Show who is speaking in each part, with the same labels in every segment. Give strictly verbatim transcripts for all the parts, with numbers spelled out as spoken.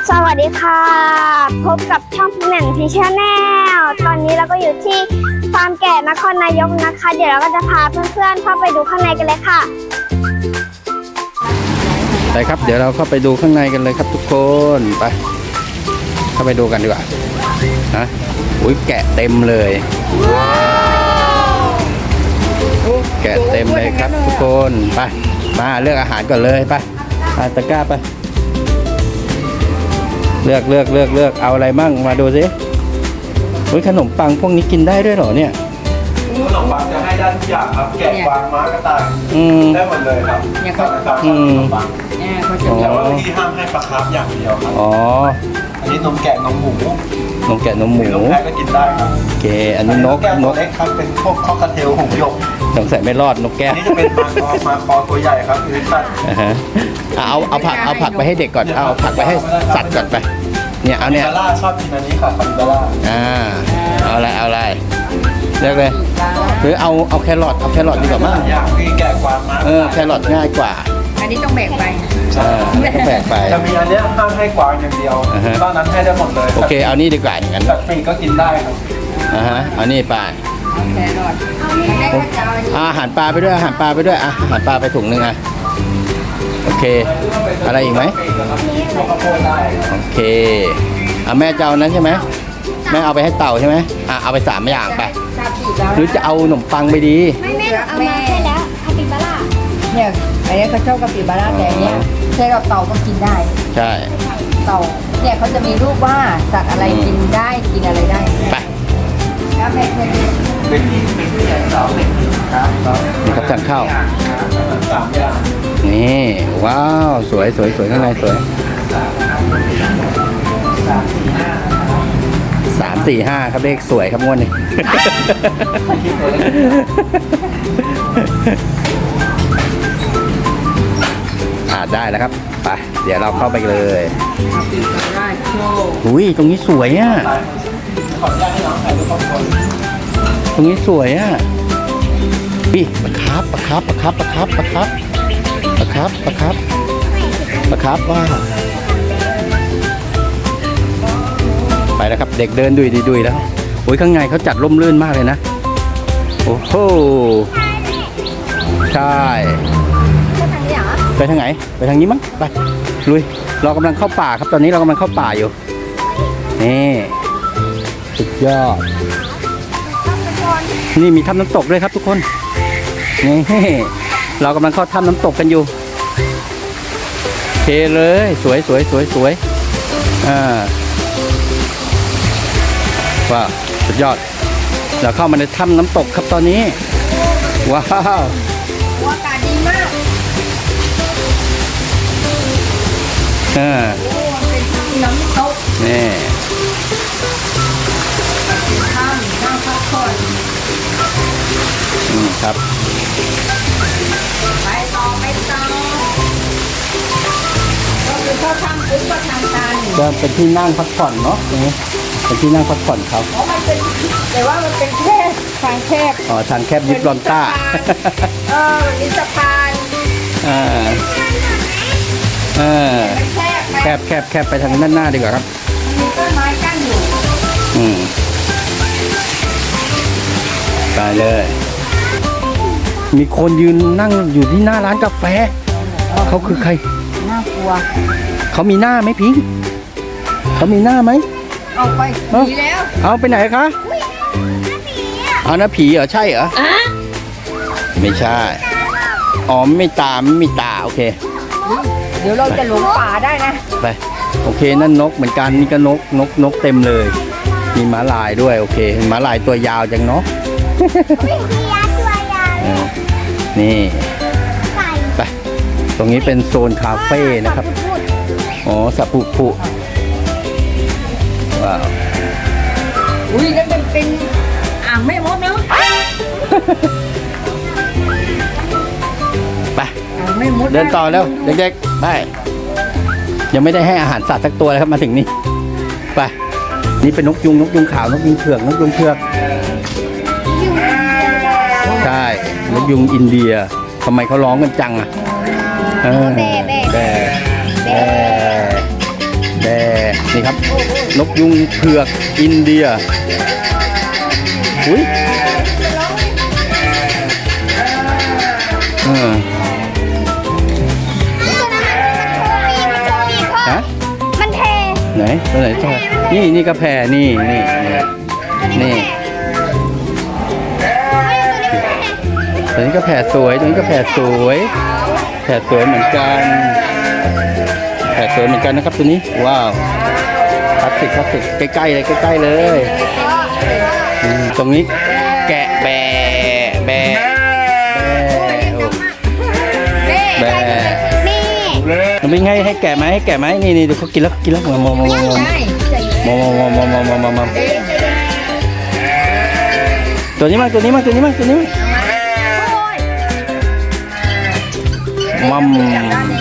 Speaker 1: สวัสดีค่ะพบกับช่องแหม่มพีชแนลตอนนี้เราก็อยู่ที่ฟาร์มแกะนครนายกนะคะเดี๋ยวเราก็จะพาเพื่อนๆเข้าไปดูข้างในกันเลยค่ะ
Speaker 2: ไปครับเดี๋ยวเราเข้าไปดูข้างในกันเลยครับทุกคนไปเข้าไปดูกันดีกว่านะอุ้ยแกะเต็มเลยแกะเต็มเลยครับทุกคนไปมาเลือกอาหารก่อนเลยไปไปตะกร้าไปเลือกเลือกเลือกเลือกเอาอะไรมั่งมาดูสิอุ้ยขนมปังพวกนี้กินได้ด้วยเหรอเนี่ย
Speaker 3: ขนมปังจะให้ได้ทุกอย่างครับแกะกวางม้ากระต่ายได้หมดเลยครับเนี่ยเขาจะขนมปังเนี่ยเขาจะแต่ว่าที่ห้ามให้ปลาคาร์ฟอย่างเดียวครับอ๋ออันนี้นมแกะนมหมู
Speaker 2: นมแกะนมหมู
Speaker 3: นมแพะก็กินได้ครับ
Speaker 2: โอเคอันนี้นก
Speaker 3: นกเล็กครับเป็นพวกคอกเทลหงส์หยก
Speaker 2: สงสัยไม่รอดนกแก้ว
Speaker 3: นี่จะเป็นมาคอมาคอตัวใหญ่ครับคือสัตว์
Speaker 2: เอาเอาผักเอาผักไปให้เด็กก่อนเอาผักไปให้สัตว์ก่อนไปเนี่ยเอาเนี่ย
Speaker 3: คาร่าชอบกินอันนี้ค่ะคาริบาร่า
Speaker 2: อ่าเอาอะไรเอาอะไรเลือกเลยหรือเอาเอาแครอทเอาแครอทดีกว่ามั้ง
Speaker 3: อย่างที่แกะกวางม้า
Speaker 2: เออแครอทง่ายกว่า
Speaker 4: อันนี้ต้องแบกไป
Speaker 2: ใช่ต้องแบกไป
Speaker 3: จะมีอันนี้ห้ามให้กวางอย่างเดียวตอนนั้นให้ได้หมดเลย
Speaker 2: โอเคเอานี่ดีกว่าอย่างนั้น
Speaker 3: สัตว์ปีกก็กินได้ครับ
Speaker 2: อ่าฮะเอานี่ไป
Speaker 4: แครอท
Speaker 2: อาหารปลาไปด้วยอาหารปลาไปด้วยอาหารปลาไปถุงนึงอ่ะโอเคอะไรอีกไหมโอเคเอาแม่เจ้านั้นใช่ไหมแม่เอาไปให้เต่าใช่ไหมอ่ะเอาไปสามอย่างไปหรือจะเอาขนมปังไปดี
Speaker 1: ไม่แม่เอามาให้แล้วคาปิบาร่า
Speaker 4: เนี่ยอันนี้เขาชอบคาปิบาร่าแต่อันเนี้ยใช่เราเต่าก็กินได้
Speaker 2: ใช่
Speaker 4: เต่าเนี่ยเขาจะมีรูปว่าสัตว์อะไรกินได้กินอะไรได้
Speaker 2: ไป
Speaker 4: แล้วแม่เคยดู
Speaker 3: เป็นที่เป็นที่ใหญ่สาวเป็นครับ
Speaker 2: นี่ครับสั่งข้าว
Speaker 3: สามอย่าง
Speaker 2: นี่ว้าวสวยสวยสวยข้างในสวยสามสี่ห้าครับเลขสวยครับงวดนี้อ่าได้แล้วครับไปเดี๋ยวเราเข้าไปเลยอุ้ยตรงนี้สวยอ่ะตรงนี้สวยอ่ะพี่ปลาคาร์ฟปลาคาร์ฟปลาคาร์ฟปลาคาร์ฟปลาคาร์ฟปลาคาร์ฟปลาคาร์ฟปลาคาร์ฟว่าไปแล้วครับเด็กเดินดุยดุยแล้วโอ้ยข้างในเขาจัดร่มรื่นมากเลยนะโอ้โหใช่ไปทางไหนไปทางนี้มั้งไปลุยเรากำลังเข้าป่าครับตอนนี้เรากำลังเข้าป่าอยู่นี่สุดยอดนี่มีถ้ำน้ำตกด้วยครับทุกคนนี่เรากำลังเข้าถ้ำน้ำตกกันอยู่โอเคเลยสวยสวยสวยสวยอ่าว้าวสุดยอดเราเข้ามาในถ้ำน้ำตกครับตอนนี้ว้าว
Speaker 4: อากาศดีมาก
Speaker 2: อ่า
Speaker 4: โอ้เป็นถ้ำน้ำตก
Speaker 2: นี่
Speaker 4: เป็นถ้ำนั่งพักผ่อน
Speaker 2: อืมครับ
Speaker 4: ไปต่อไปต่อก็คือเข้าถ้ำปุ๊บก็ทางตัน
Speaker 2: จะเป็นที่นั่งพักผ่อนเนาะตรงนี้เป็นที่นั่งพักผ่อนครับ
Speaker 4: อ๋อมันเป็นแต่ว่ามันเป็นแคบทางแคบ
Speaker 2: อ๋อทางแคบยิบลอนต้า
Speaker 4: เออมันมีสะพาน
Speaker 2: อ่าอ่าแคบแคบแคบไปทางด้านหน้าดีกว่าครับ
Speaker 4: มีต้นไม้กั้นอยู่
Speaker 2: อืมไปเลยมีคนยืนนั่งอยู่ที่หน้าร้านกาแฟเขาคือใคร
Speaker 4: น่ากลัว
Speaker 2: เขามีหน้าไหมพิงเขามีหน้าไหม
Speaker 4: เอาไปผีแล้ว
Speaker 2: เอาไปไหนคะเอาหน้าผีเหรอใช่เหรอไม่ใช่อ๋อไม่ตาไม่มีตาโอเค
Speaker 4: เดี๋ยวเราจะหลงป่าได้นะ
Speaker 2: ไปโอเคนั่นนกเหมือนกันนี่ก็นกนกนกเต็มเลยมีม้าลายด้วยโอเคม้าลายตัวยาวจังเนาะนี่ไปตรงนี้เป็นโซนคาเฟ่นะครับอ๋อสับปุปุว้าว
Speaker 4: อุ้ยนั่นเป็นเป็นอ่างแม่มดเนาะ
Speaker 2: ไปเดินต่อแล้วเด็กๆไปยังไม่ได้ให้อาหารสัตว์สักตัวเลยครับมาถึงนี่ไปนี่เป็นนกยุงนกยุงขาวนกยุงเผือกนกยุงเผือกใช่นกยุงอินเดียทำไมเขาร้องกันจังอ่ะเออแบะแบะแบะแบะนี่ครับ นกยุงเผือกอินเดียอุ้ยเออฮะ
Speaker 1: มันเท
Speaker 2: ไหนตัวไหนตัวนี่นี่กระแพนี่นี่นี่นี่ตัวนี้ก็แผ่สวยตัวนี้ก็แผ่สวยแผ่สวยเหมือนกันแผ่สวยเหมือนกันนะครับตัวนี้ว้าวพลาสติกพลาสติกใกล้ๆเลยใกล้ๆเลยอืมตรงนี้แกะแบะแบะแบะ
Speaker 1: นี่
Speaker 2: มันเป็นไงให้แกะไหมให้แกะไหมนี่นี่เดี๋ยวเขากินแล้วกินแล้วมามามามาม
Speaker 4: ใช่
Speaker 2: มามามามามามามตัวนี้มาตัวนี้มาตัวนี้มาตัวนี้มามัม
Speaker 4: มัน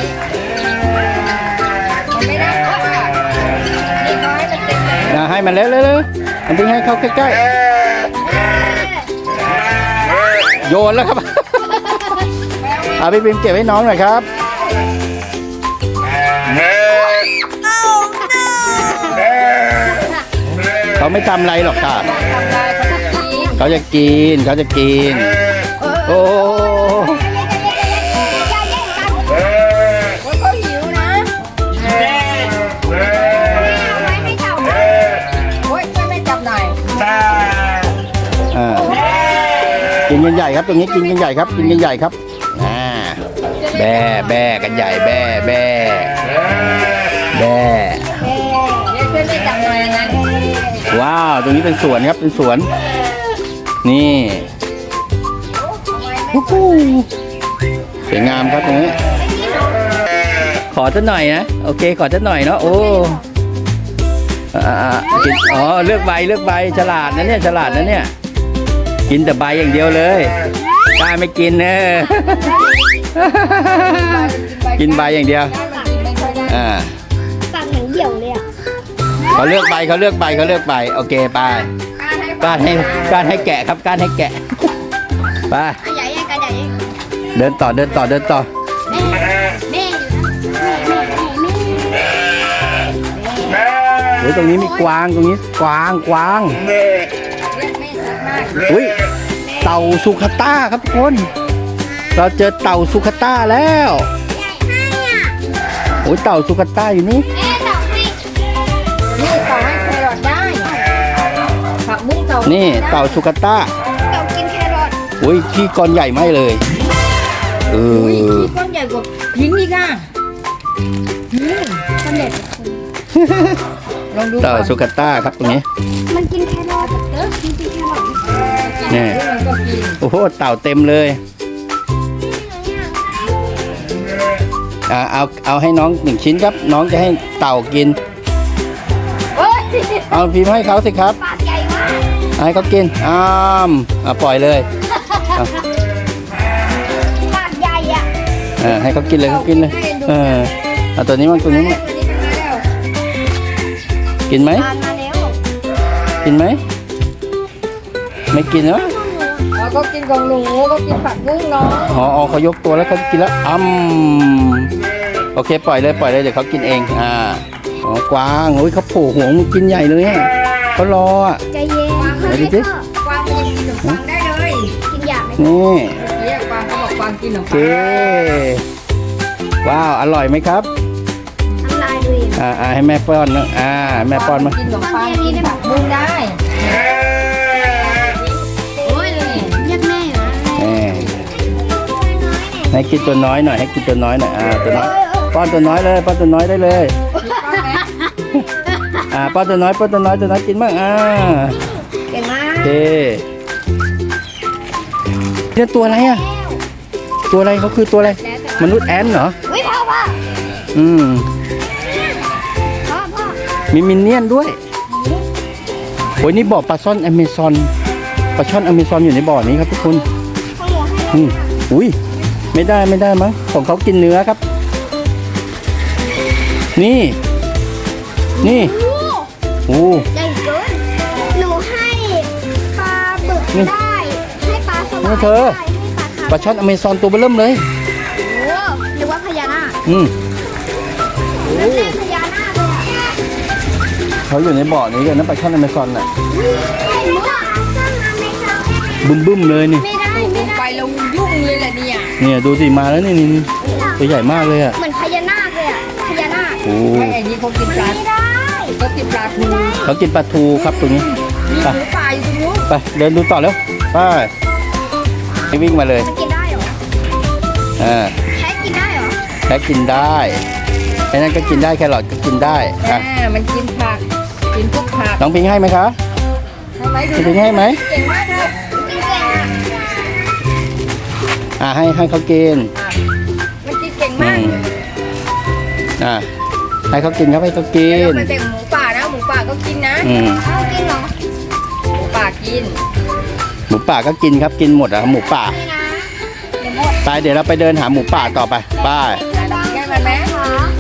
Speaker 4: ไม่ได้ก็ค่ะนี่ก็ให้มันเต็มเลย
Speaker 2: อ่ะให้มันเร็วเร็วเร็วมันเป็นให้เข้าใกล้ๆโยนแล้วครับ เอาพี่ปิมเก็บให้น้องหน่อยครับเขาไม่ทำอะไรหรอกค่ะ
Speaker 4: ทำได้เขาจะกิน
Speaker 2: เขาจะกินเขาจะกินโอ้
Speaker 4: โอ้ยเขาหิวนะโอ้ยช่วยแม่จับหน่อย
Speaker 2: อ่ากินกันใหญ่ครับตรงนี้กินกันใหญ่ครับกินกันใหญ่ครับอ่าแบ่แบ่กันใหญ่แบ่แบ่แบ่
Speaker 4: เดี๋ยวช่วยแม่จับหน่อยนะ
Speaker 2: ว้าวตรงนี้เป็นสวนครับเป็นสวนนี่ฮู้ฮู้สวยงามครับตรงนี้ขอสักหน่อยนะโอเคขอสักหน่อยเนาะโอ้อ่าๆกินอ๋อเลือกใบเลือกใบฉลาดนะเนี่ยฉลาดนะเนี่ยกินแต่ใบอย่างเดียวเลยกล้าไม่กินเนอะ กินใบอย่างเดียวอ่า
Speaker 1: ปากเหมือนเหี่ยวเลยอ่ะ
Speaker 2: เขาเลือกใบเขาเลือกใบเขาเลือกใบโอเคไปการให้การให้แกะครับการให้แกะไป
Speaker 1: ใหญ่ใหญ่กันใหญ่
Speaker 2: เดินต่อเดินต่อเดินต่อ
Speaker 1: แม่แม่อยู่นะแม่แม่แม่
Speaker 2: โอ้ยตรงนี้มีกวางตรงนี้กวางกวางอุ้ยเต่าสุขต้าครับทุกคนเราเจอเต่าสุขต้าแล้ว
Speaker 1: ใหญ่ให้อ่ะ
Speaker 2: โอ้ยเต่าสุขต้าอยู่นี่
Speaker 1: แม่ตอบให้
Speaker 4: นี่ต่อให้แครอทได้ผักบุ้งต่อ
Speaker 2: นี่เต่าสุขต้า
Speaker 1: ตอบกินแครอท
Speaker 2: อุ้ยขี้ก้อนใหญ่ไหมเลยเอ
Speaker 4: อุ้ย
Speaker 2: อ
Speaker 4: ที่ก้อนใหญ่กว่าพิงค์อีกอ่ะอืม
Speaker 1: สำเร็จ
Speaker 4: ลองดู
Speaker 2: เต่า
Speaker 4: ก่อน
Speaker 2: สุขต้าครับตรงนี้
Speaker 1: มันกินแครอทเด้อกินแครอท
Speaker 2: นี่
Speaker 4: มันก็กิน
Speaker 2: โอ้โหเต่าเต็มเลยอ่าเอาเอาให้น้องหนึ่งชิ้นครับ น้องจะให้เต่ากิน
Speaker 1: เฮ้ย
Speaker 2: เอาพิมพ์ให้เขาสิครับ
Speaker 1: ปากใหญ่มาก
Speaker 2: ให้เขากินอ้ามอ่ะปล่อยเลยเอา
Speaker 1: ปากใหญ่อ่ะ
Speaker 2: เออให้เขากินเลยเขากินเลยเออเอาตัวนี้มั้งตัวนี้มั้ง
Speaker 4: ตัวนี้เป็นมาแล้ว
Speaker 2: กินไหม
Speaker 1: ทานมาแล้ว
Speaker 2: กินไหมไม่กินเหรอ
Speaker 4: อ๋อก็กินของหนูก็กินผักบุ้งเนาะ
Speaker 2: อ๋ออ๋อเขายกตัวแล้วเขากินแล้วอ้ำโอเคปล่อยเลยปล่อยเลยเดี๋ยวเขากินเองอ่าอ๋อกวางโอ้ยเขาโผล่หัวมันกินใหญ่เลยอ่ะเขารออ่ะ
Speaker 1: ใจเย็น
Speaker 2: ไหนดูสิ
Speaker 4: กวางกินขนมปังได้เลย
Speaker 1: กินหยาบไหม
Speaker 2: นี่
Speaker 4: เมื่อกี้กวางเขาบอกกวางกินขนม
Speaker 2: โอเค
Speaker 4: ปัง
Speaker 2: ว้าวอร่อยไหมครับ
Speaker 1: น้ำลายดูอีก
Speaker 2: อ่าอ่าให้แม่ป้อนนะอ่าแม่ป้อนมา
Speaker 4: กินขนมปังกินผักบุ้งได้โอ้ยนี่
Speaker 1: เรียกแม่อยู่นะ
Speaker 2: แหมให้กินตัวน้อยหน่อยให้กินตัวน้อยหน่อยอ่าตัวน้อยป้อนตัวน้อยเลยป้อนตัวน้อยได้เลย
Speaker 4: มีก้อนไหม
Speaker 2: อ่าป้อนตัวน้อยป้อนตัวน้อยตัวน้อยกินบ้างอ่า
Speaker 1: เก่งมา
Speaker 2: โอก เคเนี่ยตัวอะไรอ่ะตัวอะไรเขาคือตัวอะไรมนุษย์แอนเหรอ
Speaker 1: วิพ่อพ่อ
Speaker 2: อืม
Speaker 1: พ่อพ่อ
Speaker 2: มีมินเนี่ยนด้วยโอ้ยนี่บ่อปลาช่อนอเมซอนปลาช่อนอเมซอนอยู่ในบ่อนี้ครับทุกคน
Speaker 1: พ่อหมูให้
Speaker 2: อืมอุ้ยไม่ได้ไม่ได้มั้งของเขากินเนื้อครับ นี่ นี่
Speaker 1: โอ้
Speaker 2: โอ้
Speaker 1: ใหญ่เกินหนูให้ปลาบึกได้ ให้ปลาสวาย
Speaker 2: นี่เธอ
Speaker 1: ได้ให้ปลาคาร์ฟ
Speaker 2: ปลาช่อนอเมซอนตัวเบอเริ่มเลย
Speaker 1: โอ้หรือว่าพญานาค
Speaker 2: อืม
Speaker 1: ไม่ใช่พญานาคเลยอะ
Speaker 2: เขาอยู่ในบ่อนี้กันนะปลาช่อนอเมซอนน่ะบึ้มบึ้มๆเลยนี่
Speaker 1: ไม่ได้ไม่ได้
Speaker 4: ไปลงยุ่งเลยแหละเนี่ย
Speaker 2: เนี่ยดูสิมาแล้วนี่นี่นี่ตัวใหญ่มากเลยอ่ะ
Speaker 1: เหมือนพญานาคเลยอ่ะพญานาค
Speaker 2: โอ้
Speaker 4: ไอ้ไอ้นี่เขากินปลา
Speaker 1: ไม่ได้
Speaker 4: เขากินปลาทู
Speaker 2: เขากินปลาทูครับตรงนี้
Speaker 4: มี
Speaker 2: ไป
Speaker 4: หมูป่าอยู่ตรงนู้น
Speaker 2: ไปเดินดูต่อแล้วไปไปวิ่งมาเลย
Speaker 1: มันกินได้เหรอ
Speaker 2: อ่า
Speaker 1: แค่กินได้เหรอ
Speaker 2: แค่กินได้ไอ้นั่นก็กินได้แครอทก็กินได้
Speaker 4: อ่า
Speaker 2: อ่ะ
Speaker 4: มันกินผักกินพวกผัก
Speaker 2: น้องพิงให้ไหมคะ
Speaker 4: ทำไมดู
Speaker 2: น้องพิงให้ไหม
Speaker 4: เก่งมากเลย
Speaker 1: กินเก่งอ่ะ
Speaker 2: อ่าให้ให้เขากิน
Speaker 4: อ่ะมันกินเก่ง
Speaker 2: อื
Speaker 4: มาก
Speaker 2: มอ่าให้เขากินครับให้เขากิ
Speaker 4: แล้ว
Speaker 2: น
Speaker 4: มันเป็นหมูป่านะหมูป่าก็กินนะ
Speaker 2: อืม
Speaker 1: เอากินเหรอ
Speaker 4: หมูป่ากิน
Speaker 2: หมูป่าก็กินครับกินหมดอะครับหมูป่า
Speaker 1: นี่นะ
Speaker 4: เดี๋ยวหมด
Speaker 2: ไปเดี๋ยวเราไปเดินหาหมูป่าต่อไปไป
Speaker 4: แก้มันไหม
Speaker 1: คะ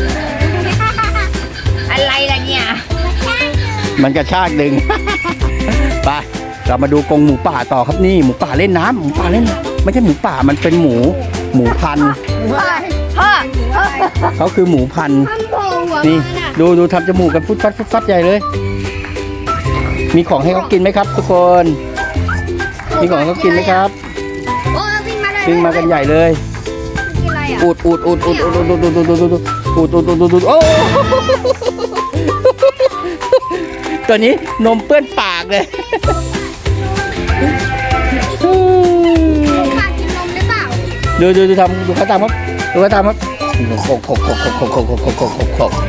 Speaker 4: อะไรล่ะเนี่ย
Speaker 2: มันกระชากดึง ไปเรามาดูกรงหมูป่าต่อครับนี่หมูป่าเล่นน้ำหมูป่าเล่นน้ำไม่ใช่หมูป่ามันเป็นหมูหมูพันธุ์
Speaker 4: หมูอะไร
Speaker 1: พ่อ
Speaker 4: หมูอะไร
Speaker 2: เขาคือหมูพันธุ์
Speaker 1: ทำโผล่หัว
Speaker 2: นี่
Speaker 1: มันอ่ะ
Speaker 2: ดูดูทำจมูกกันฟุดฟัดฟุดฟัดใหญ่เลย มีของให้เขากินไหมครับ ทุกคน มีของให้เขากินไหมครับ
Speaker 1: โอ้วิ่งมาเลย
Speaker 2: วิ่งมากันใหญ่เลย
Speaker 1: กินอะไรอ่ะ
Speaker 2: อุดอุดอุดอุดอุดอุดอุดอุดอุดอุดอุดอุดอุดอุดอุดอุดอุดโอ้ตัวนี้นมเปื้อนปากเลย
Speaker 1: ขาดกินนมหรือเปล่า
Speaker 2: ดูดูดูทำดูเขาทำครับดูเขาทำครับโขกโขกโขกโขกโขกโขกโขกโขกโขกโขกโขก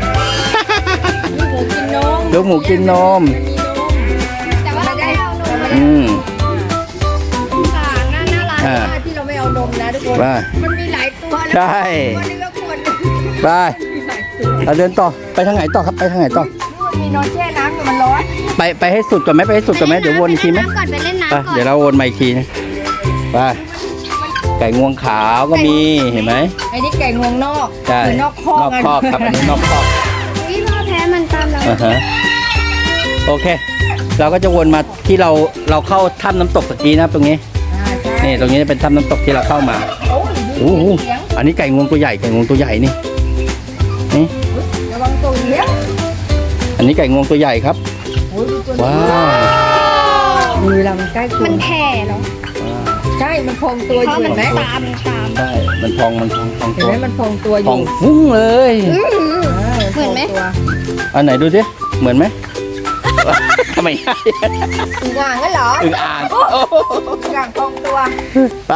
Speaker 4: ลูกหมูกินนม
Speaker 2: ลูกหมูกินนม
Speaker 4: มันมีนม
Speaker 1: แต่ว่าเราไม่เอานม
Speaker 2: อืม
Speaker 1: ค่ะน่าน่ารัก
Speaker 2: อ่า
Speaker 4: ว่าที่เราไม่เอานมนะทุกคน
Speaker 2: ว่า
Speaker 4: มันมีหลายตัวนะ
Speaker 2: ใช่
Speaker 4: วันนี้ก็ควร
Speaker 2: ไป
Speaker 4: มีหลายตัว
Speaker 2: เราเดินต่อไปทางไหนต่อครับไปทางไหนต่อ
Speaker 4: มันมีนอนแช่น้ำอยู่มันร้อน
Speaker 2: ไปไปให้สุดก่อนไหมไปให้สุดก่อนไหมเดี๋ยววนอีกทีไหม
Speaker 1: ไปเล่นน้ำก่อนไปเล่นน้ำก่อน
Speaker 2: ไปเดี๋ยวเราวนมาอีกทีนะไปไก่งวงขาวก็มีเห็นไหม
Speaker 4: ไอ้นี่ไก่งวงนอก
Speaker 2: ใช่
Speaker 4: หรือนอกคอก
Speaker 2: นอกคอกครับอันนี้นอกคอก
Speaker 1: วิพ่อแพ้มันตามเรา
Speaker 2: อ่าฮะโอเค เราก็จะวนมาที่เราเราเข้าถ้ำน้ำตกตะกี้นะครับตรงนี้
Speaker 4: อ่าใช่
Speaker 2: นี่ตรงนี้เป็นถ้ำน้ำตกที่เราเข้ามา
Speaker 4: โอ้ย
Speaker 2: โอ้โห
Speaker 4: เสียง
Speaker 2: อันนี้ไก่งวงตัวใหญ่ไก่งวงตัวใหญ่นี่นี่
Speaker 4: ระวังตัวเลี้ยง
Speaker 2: อันนี้ไก่งวงตัวใหญ่ครับ
Speaker 4: โอ้ยดูตัว
Speaker 2: ว้า
Speaker 4: นี้
Speaker 2: ว
Speaker 4: มือเรามันใกล้ตัว
Speaker 1: มันแผ่เหรอ
Speaker 2: ว้าว
Speaker 4: ใช่ มันพองตัวอยู่เห็นไหม
Speaker 1: ตามมันตาม
Speaker 2: ใช่มันพองมันพองพอง
Speaker 4: เห็น
Speaker 2: ตัว
Speaker 4: ไหมมันพองตัวอ
Speaker 2: พอง
Speaker 4: ยู่
Speaker 2: ฟุ้งเลย
Speaker 4: อ่า
Speaker 1: เหมือนไหม
Speaker 4: พงตัว
Speaker 2: อันไหนดูสิเหมือนไหม ทำไมใช่
Speaker 4: อึ่งอ่างงั้นเหรอ
Speaker 2: อึ่งอ่าง
Speaker 4: อึ่งอ่างพองตัว
Speaker 2: ไป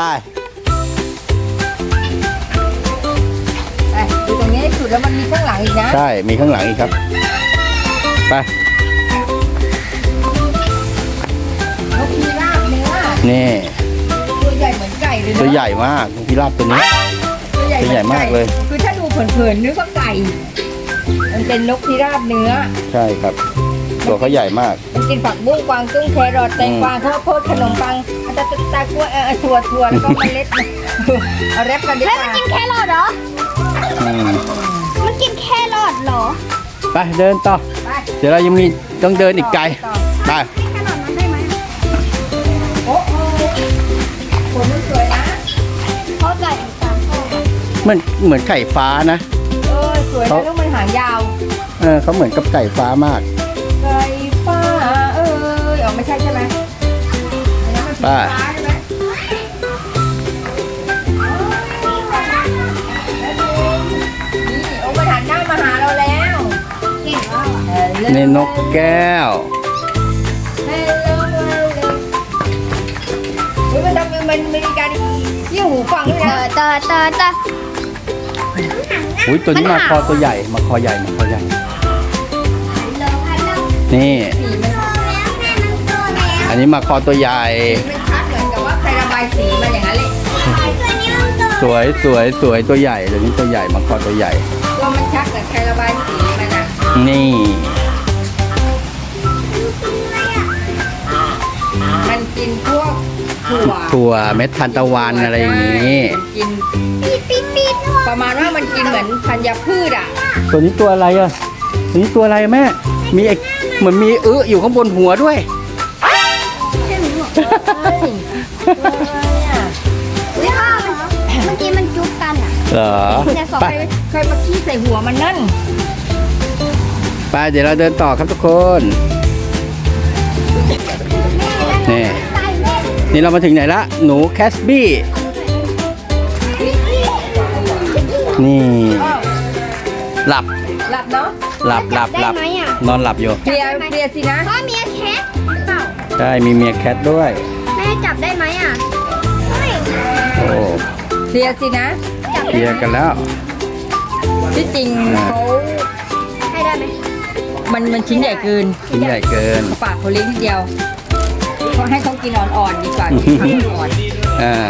Speaker 4: ไปดูตรงนี้ให้สุดแล้วมันมีข้างหลังอีกนะ
Speaker 2: ใช่มีข้างหลังอีกครับไป
Speaker 4: นกพิราบเนื้อ
Speaker 2: นี่
Speaker 4: ตัวใหญ่เหมือนไก่เลยนะ
Speaker 2: ตัวใหญ่มากนกพิราบตัวนี้
Speaker 4: ตัวใหญ่
Speaker 2: ตัวใหญ่มากเลย
Speaker 4: คือถ้าดูเผินๆนึกว่าไก่ มันเป็นนกพิราบเนื้อ
Speaker 2: ใช่ครับ ตัวเขาใหญ่มาก
Speaker 4: มันกินผักบุ้งกวางตุ้งแครอทแตงกวาข้าวโพดขนมปังตะตะตะกล้วยเออถั่วถั่วแล้วก็เมล็ด เอาแรปกันดี
Speaker 1: เฮ้ย
Speaker 4: ก
Speaker 1: มัน
Speaker 4: ว่า
Speaker 1: กินแครอทเหรอ
Speaker 2: อืม
Speaker 1: มันกินแครอทเหรอ
Speaker 2: ไปเดินต่อ
Speaker 4: ไป
Speaker 2: เดี๋ยวเรายังมีต้องเดินอีกไกล
Speaker 4: ต่อ
Speaker 2: ไป
Speaker 1: ให้แครอทมันได้ไหม
Speaker 4: โอ้โหผลมันสวยนะ
Speaker 1: เพราะไก่ตามพ่อ
Speaker 2: มันเหมือนไก่ฟ้านะ
Speaker 4: เออสวยนะลูกมันหางยาว
Speaker 2: เออเขาเหมือนกับไก่ฟ้ามาก
Speaker 4: ไก่ฟ้าเอ้ยอ๋อไม่ใช่ใช่ไหมอันนั้นมันสี
Speaker 2: ป้า
Speaker 4: ฟ้าใช่ไหมนี่โอ้มันหันหน้ามาหาเราแล้ว
Speaker 1: เก่งมาก
Speaker 2: นี่นกแก้ว
Speaker 4: เฮลโลเฮลโลอุ๊ยมันทำมันมีการเยี่ยวหูฟังด้วย
Speaker 1: เต
Speaker 4: นะ
Speaker 1: อเตอเตอเตอ
Speaker 2: อุ้ยตัวนี้มาคอตัวใหญ่มาคอใหญ่มาคอใหญ่ นี่
Speaker 4: สีมัน
Speaker 2: อันนี้มาคอตัวใหญ่
Speaker 4: สีมันชัดเหมือนกับว่าใครระบายสีมาอย่างนั้นเลย
Speaker 2: สวยสวยสวยตัวใหญ่ตัวนี้ตัวใหญ่มาคอตัวใหญ่
Speaker 4: ตัวมันชัดเหมือนใครระบายสีมันอ่ะ
Speaker 2: นี่
Speaker 4: มันกินพวกถั่ว
Speaker 2: ถั่วเม็ดทานตะวันอะไรอย่างนี้
Speaker 4: มันกิน
Speaker 1: ปีดปีดปีด
Speaker 4: ประมาณว่ามันกินเหมือนธัญพืชอ่ะ
Speaker 2: ตัวนี้ตัวอะไรอ่ะตัวนี้ตัวอะไรอะแม่ มีไอ้เหมือนมีอึอยู่ข้างบนหัวด้วย
Speaker 1: ใช่ไหมหรอ
Speaker 4: เฮ้ยตัวอะไรอ่ะ
Speaker 1: วิพ่อเมื่อกี้มันจุ๊บกันอ่ะ
Speaker 2: เหรอ
Speaker 1: เนี่ยสอง
Speaker 2: ไป
Speaker 1: ไป
Speaker 4: ใครมาขี้ใส่หัวมันนั่น
Speaker 2: ไไปเดี๋ยวเราเดินต่อครับทุกคน นี่ นี่เรามาถึงไหนละ หนูแคสบี้ นี่ หลับ
Speaker 4: หลับเนาะ
Speaker 2: หลับหลับหลับ
Speaker 1: ได้ไหมอ่ะ
Speaker 2: นอนหลับอยู่
Speaker 4: เคลียร์เคลียร์สินะ
Speaker 1: พ่อเมียแคทเปล่า
Speaker 2: ใช่ มีเมียแคทด้วย
Speaker 1: แม่จับได้ไหมอ่ะเฮ้ย
Speaker 2: โอ้
Speaker 4: เคลียร์สินะ
Speaker 1: จับ
Speaker 2: เคลียร์กันแล้ว
Speaker 4: ที่จริงเขา
Speaker 1: ให้ได้ไหม
Speaker 4: มันมันชิ้นใหญ่เกิน
Speaker 2: ชิ้นใหญ่เกิน
Speaker 4: เขาปากเขาเลี้ยงนิดเดียวเขาให้เขากินอ่อนๆดีกว่ากินอ่อน
Speaker 2: อ่า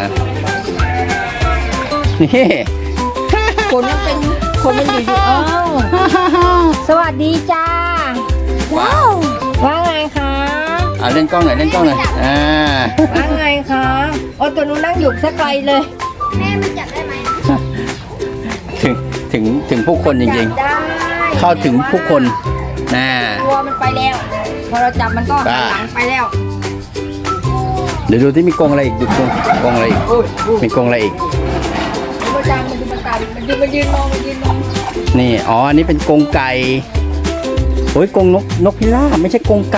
Speaker 2: นี่
Speaker 4: ๆคนมันเป็นคนมันอยู่อยู่อ้าวสวัสดีจ้า
Speaker 2: ว้าว
Speaker 4: ว่าไงคะ
Speaker 2: อ่าเล่นกล้องหน่อยเล่นกล้องหน่อย อ่า
Speaker 4: ว่าไงคะโอ้ตัวนู้นนั่งอยู่สักไกลเลย
Speaker 1: แม่มันจับได้ไหม
Speaker 2: ถึงถึงถึงผู้คนจริง
Speaker 4: จับได้
Speaker 2: ๆ เข้าถึงผู้คนน่า
Speaker 4: ตัวมันไปแล้ว พอเราจับมันก็หันหลังไปแล้ว
Speaker 2: เดี๋ยวดูที่มีกรงอะไรอีกดูกรงกรงอะไรอีก
Speaker 4: โอ้ยโอ้ย
Speaker 2: มีกรงอะไรอีก
Speaker 4: มันจางมันดูมันตามันดูมันยืนมองมันยืนมอง
Speaker 2: นี่ อ๋อ อันนี้เป็นกรงไก่โอ้ยกรงนกนกพิราบไม่ใช่กรงไก่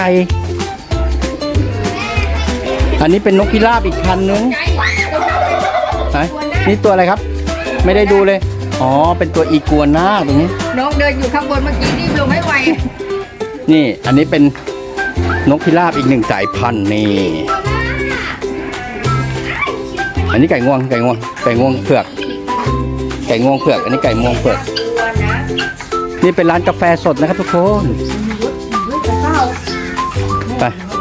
Speaker 2: อันนี้เป็นนกพิราบอีกพันนึง
Speaker 4: ใจ
Speaker 2: ไหนนี่ตัวอะไรครับ ไม่ได้ดูเลย อ๋อ เป็นตัวอีกัวน่าตรงนี้
Speaker 4: น้องเดินอยู่ข้างบนเมื่อกี้รีบลงให้ไว
Speaker 2: นี่ อันนี้เป็นนกพิราบอีกหนึ่งสายพันธุ์นี่ อันนี้ไก่งวง ไก่งวง ไก่งวงเผือก ไก่งวงเผือก อันนี้ไก่งวงเผือก
Speaker 4: ตัวนะ
Speaker 2: นี่เป็นร้านกาแฟสดนะครับทุกคน ไป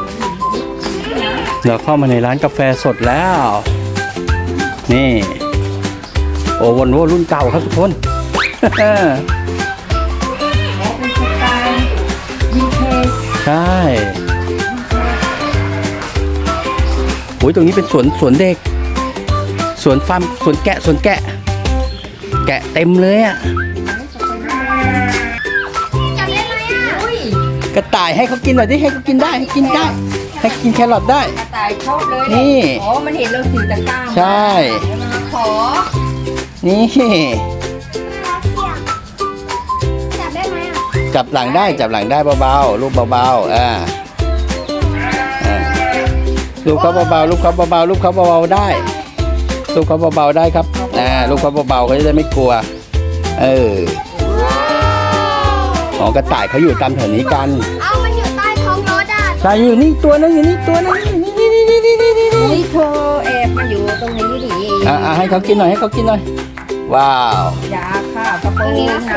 Speaker 2: เราเข้ามาในร้านกาแฟสดแล้ว นี่ โอ้วันโวรุ่นเก่าครับทุกคน
Speaker 4: เป็นสไตล์วินเทจ
Speaker 2: ใช่โอ้ยตรงนี้เป็นสวนสวนเด็ก สวนฟาร์มสวนแกะสวนแกะ แกะเต็มเลยอ่ะ
Speaker 1: จับได้ไหมอ่ะ
Speaker 4: อุ้ย
Speaker 2: กระต่ายให้เขากินหน่อยดิให้เขากินได้ให้กินได้ ให้กินแครอทได้
Speaker 4: กระต่ายชอบเลย
Speaker 2: นี่
Speaker 4: อ๋อมันเห็นเราถือตะกร้ามา
Speaker 2: ใช่
Speaker 4: แล้วมันมาขอ
Speaker 2: นี่
Speaker 1: จับได้ไหมอ่ะ
Speaker 2: จับหลังได้จับหลังได้เบาๆลูกเบาๆอ่าอ่าลูกเขาเบาๆลูกเขาเบาๆลูกเขาเบาๆได้ลูกเขาเบาๆได้ครับอ่าลูกเขาเบาๆเขาจะได้ไม่กลัว เอออ๋อกระต่ายเขาอยู่ตามแถวนี้กัน
Speaker 1: เอามันอยู่ใต้ท้องรถอ่ะ
Speaker 2: ใช่อยู่นี่ตัวนึงอยู่นี่ตัวนึงนี่นี่นี่นี่นี่นี่นี่
Speaker 4: อุ้ยเธอแอบมาอยู่ตรงนี้ดิ
Speaker 2: อ่าให้เขากินหน่อยให้เขากินหน่อยว้าว
Speaker 4: อยาค่ะกระโปรงนะ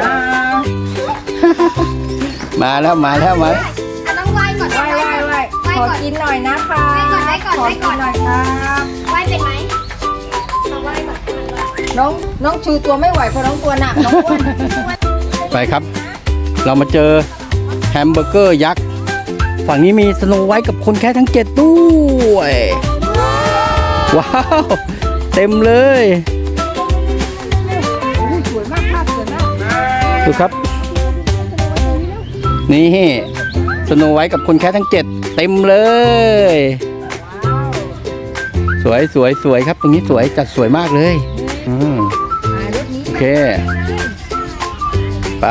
Speaker 2: มาแล้วมาแล้วมา
Speaker 1: อ่ะต้องไหว้ก่อน
Speaker 4: ไหว้ไหว้ไหว้ขอกินหน่อยนะคะ
Speaker 1: ไหว้ก่อนไหว้ก่อน
Speaker 4: ขอกินหน่อยครับ
Speaker 1: ไหว้เป็นไหมเอาไหว้ก่อน
Speaker 4: น้องน้องชูตัวไม่ไหวเพราะน้องตัวหนักน้องอ้วน
Speaker 2: ไปครับ เรามาเจอแฮมเบอร์เกอร์ยักษ์ฝั่งนี้มีสโนไวท์กับคนแค่ทั้งเจ็ดด้วยว้าวเต็มเลย
Speaker 4: สวยมากภาพสวยมาก
Speaker 2: ดูครับ นี่สโนไวท์กับคนแค่ทั้งเจ็ดเต็มเลย สวยสวยสวยครับ ตรงนี้สวยจัดสวยมากเลยอืม
Speaker 4: อ่ารถนี้
Speaker 2: โอเค ไป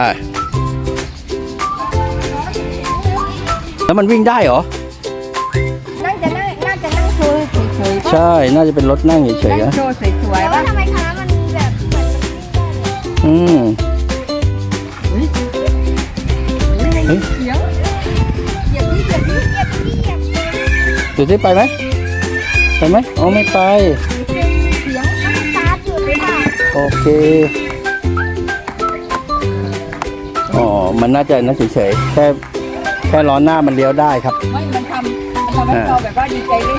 Speaker 2: แล้วมันวิ่งได้เหรอ
Speaker 4: นั่งจะนั่งน่าจะนั่งโชว์เฉยๆป่ะ
Speaker 2: ใช่ น่าจะเป็นรถนั่งเฉยๆ
Speaker 4: นั่ง
Speaker 2: นะ
Speaker 4: โชว์สวย
Speaker 1: แต่
Speaker 4: ๆ
Speaker 1: ว่า
Speaker 4: ป่ะ
Speaker 1: ทำไมคณะมันแบบเหมือนมัน
Speaker 2: อืม
Speaker 4: เฮ้ย
Speaker 2: เฮ้ย
Speaker 4: เสียงเหยียบนี่เหยียบนี่เหยียบนี่เหยียบ
Speaker 2: ดูที่ไปไหม ไปไหมอ๋อไม่ไป
Speaker 4: เสียง
Speaker 1: สตาร์ทอยู่หรือเปล่า
Speaker 2: โอเค อ๋อ มันน่าจะน่าเฉยๆ แค่แค่ล้อหน้ามันเลี้ยวได้ครับ
Speaker 4: ไม่มันทำมันทำให้เราแบบว่าดีใจเลย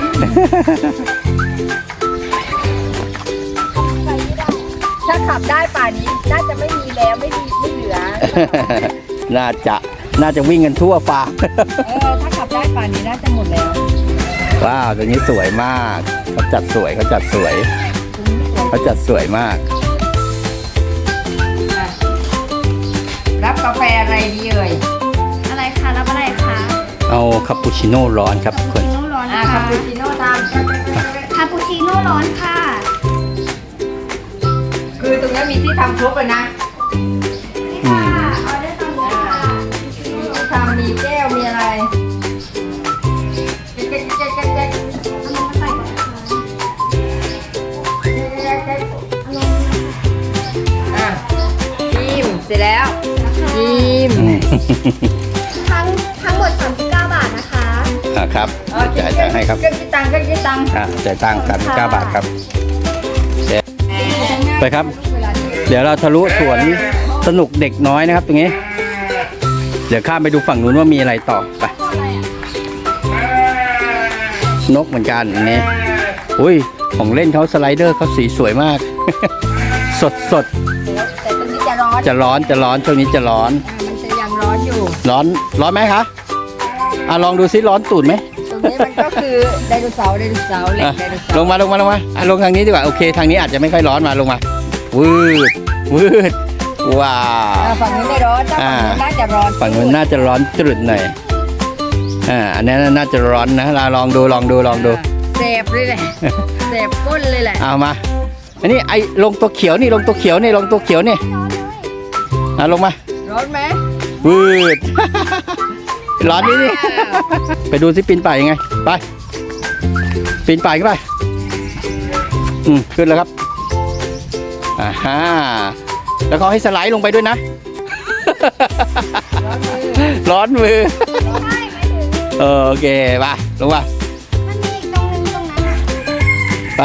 Speaker 4: ถ้าขับได้ป่านนี้น่าจะไม่มีแล้วไม่ดีไม่เหลือ
Speaker 2: น่าจะ น่าจะวิ่งกันทั่วฟ้า
Speaker 4: เออถ้าขับได้ป่านนี้น่าจะหมดแล้ว
Speaker 2: ว้าว ตัวนี้สวยมาก เขาจัดสวยเขาจัดสวย เขาจัดสวยมาก
Speaker 4: อ่ะรับกาแฟอะไรดีเอ่ย
Speaker 1: อะไรคะรับอะไรคะ
Speaker 2: เอาคาปูชิโน่ร้อนครับทุกคน
Speaker 1: โน่ร้อน
Speaker 4: อ่า
Speaker 1: ค่ะ
Speaker 4: คาปูชิโน่ตาม
Speaker 1: คาปูชิโน่ร้อนค่ะ
Speaker 4: คือตรงนี้มีที่ทำครบเลยนะ
Speaker 2: อืม
Speaker 1: ออเดอร์ตอนนี้ค่ะทั้งทั้งหมดสามสิบเก้าบาทนะคะ
Speaker 2: อ่าครับจ่ายตังค์ให้ครับ
Speaker 4: เครื่องคิดตังค์เครื่องคิดตังค์
Speaker 2: อ่าจ่ายตังค์สามสิบเก้าบาทครับเดี๋ยวไปครับ เดี๋ยวเราทะลุสวนสนุกเด็กน้อยนะครับ ตรงนี้ เดี๋ยวข้ามไปดูฝั่งนู้นว่ามีอะไรต่อไปนกเหมือนกันอย่างนี้อุ้ยของเล่นเขาสไลเดอร์เขาสีสวยมาก สดสด
Speaker 4: แต่ตรงนี้จะร้อน
Speaker 2: จะร้อนจะร้อนช่วงนี้จะร้อน
Speaker 4: มันจะยังร้อนอยู่
Speaker 2: ร้อนร้อนไหมคะอ่ะลองดูซิร้อนตูดไหม
Speaker 4: ตรงนี้มันก็คือไดโนเสาร์ไดโนเสาร์เหล็ก
Speaker 2: อ่ะ
Speaker 4: ไดโนเสาร์
Speaker 2: ลงมาลงมาลงมาอ่ะลงทางนี้ดีกว่าโอเคทางนี้อาจจะไม่ค่อยร้อนมาลงมาวืดวืดว้า
Speaker 4: อ่าว ฝั่งนี้ไม่ร้อนถ้า
Speaker 2: อ่า
Speaker 4: ฝั่งนู้นน่าจะร้อน
Speaker 2: ฝั่งนู้นน่าจะร้อนจุดหน่อยอ่าอันนี้น่าจะร้อนนะเราลองดูลองดูลองดู
Speaker 4: เสบเลยแหละเสบก้นเลยแหละ
Speaker 2: เอามาอันนี้ไอ้ลงตัวเขียวนี่ลงตัวเขียวนี่ลงตัวเขียวนี่อ่ะลงมา
Speaker 4: ร้อนไหม
Speaker 2: วืด ร้อนนี่นี่ ไปดูสิปีนป่ายยังไงไปปีนป่ายขึ้นไปอืมขึ้นแล้วครับอ่าฮะแล้วเขาให้สไลด์ลงไปด้วยนะ ร้อนมือ
Speaker 1: ใช่ไม่ถึง
Speaker 2: เออโอเคไปลงมา
Speaker 1: มันมีอีกตรงนึงตรงนั้นอ่ะ
Speaker 2: ไป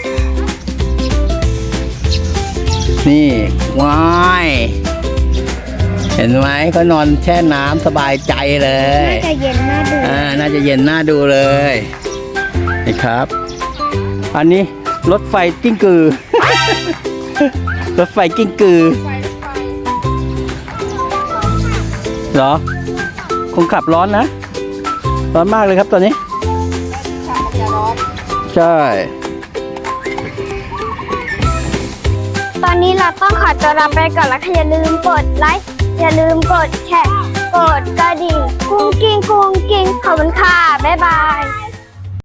Speaker 2: นี่ว้ายเห็นไหมเขานอนแช่น้ำสบายใจเลย
Speaker 1: น่าจะเย็นน่าดู
Speaker 2: อ่า น่าจะเย็นน่าดูเลย นี่ครับ อันนี้รถไฟกิ้งกือ รถไฟกิ้งกือ เหรอ คงขับร้อนนะ ร้อนมากเลยครับตอนนี้
Speaker 4: จะร้อน
Speaker 2: ใช่
Speaker 1: ตอนนี้เราต้องขอตัวลาไปก่อนแล้วค่ะอย่าลืมกดไลค์อย่าลืมกดแชร์กดกระดิ่งกุ้งกิ้งกุ้งกิ้งขอบคุณค่ะบ๊ายบาย